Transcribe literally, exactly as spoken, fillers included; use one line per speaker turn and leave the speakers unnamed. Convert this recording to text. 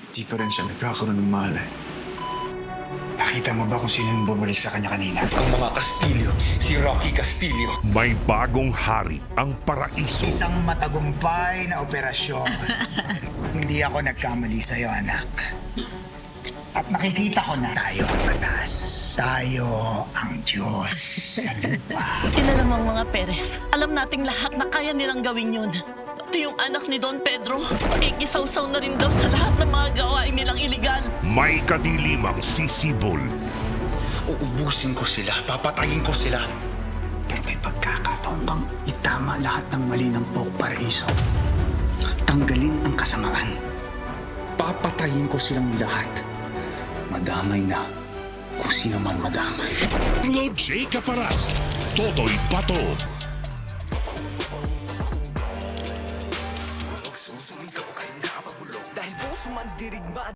Di pa rin siya nagkakaroon ng malay.
Nakita mo ba kung sino yung bumuli sa kanya kanina?
Ang mga Castillo, si Rocky Castillo.
May bagong hari ang paraiso.
Isang matagumpay na operasyon. Hindi ako nagkamali sa'yo, anak. At nakikita ko na tayo ang batas. Tayo ang Diyos sa lupa.
Kilala mo ang mga Perez. Alam nating lahat na kaya nilang gawin yun. Pati yung anak ni Don Pedro, ikisaw-saw na rin daw sa lahat ng mga gawain nilang iligal.
May kadilimang sisibol.
Uubusin ko sila, papatayin ko sila.
Pero may pagkakataon bang itama lahat ng mali ng Poke Paraiso? Tanggalin ang kasamaan.
Papatayin ko silang lahat. Madamay na kung sino man madamay.
Lord J. Caparas, Totoy Pato.
Dahil puso man dirigma